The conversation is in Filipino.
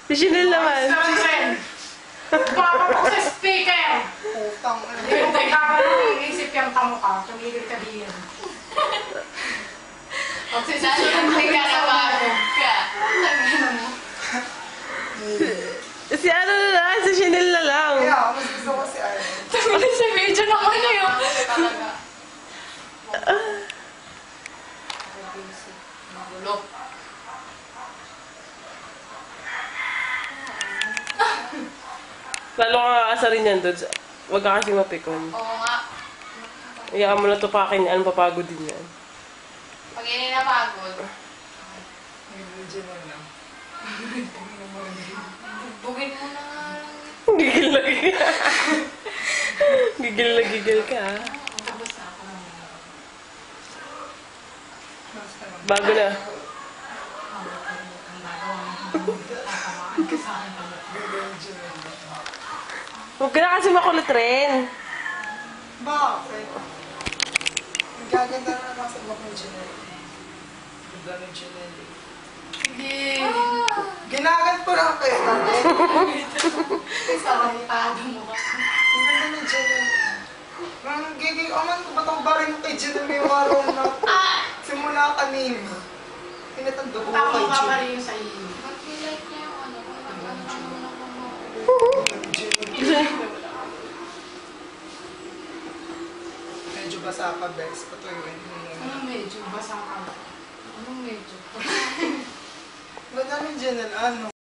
Si Chanel naman. Bakit ako sa speaker? Putang. Hindi mo kailangan isip yung kamukha. Tumigil ka diyan. Lalo na nagkakabago ka. Tangina mo. Si ano na lang, si Chanel na lang. Kaya, mas gusto ko si Arlen. Tumingin sa video naman na yun. Talaga. Magulo. Lalo kang aasarin yan, Dods. Huwag ka kasi mapikon. Oo nga. Iyaan mo na tupakin yan, papagod din yan. Pag yun ay napagod, Medyo mo na. bugin mo na nga lang. Gigil na gigil. Gigil na gigil ka, ha? Tapos na ako. Bago na. Huwag ka na kasi makulit rin. Bakit? Nagaganda na nasa buhok ng Janelle. Ganda ng Janelle. Sige. Ginagat po lang kayo. Sarantado mo ka. Ang ganda ng Janelle. Giging, aman ko ba itong barin kay Janelle yung araw na simula kanina. Pinatando ko Tama kay ka pa Janelle. rin yung sa iyo. Mag-like niya yung ano. Medyo basa pa, Bex. Patuyuin mo muna. Anong medyo? Basa ka. Anong medyo? Ganda ng Janelle, ano?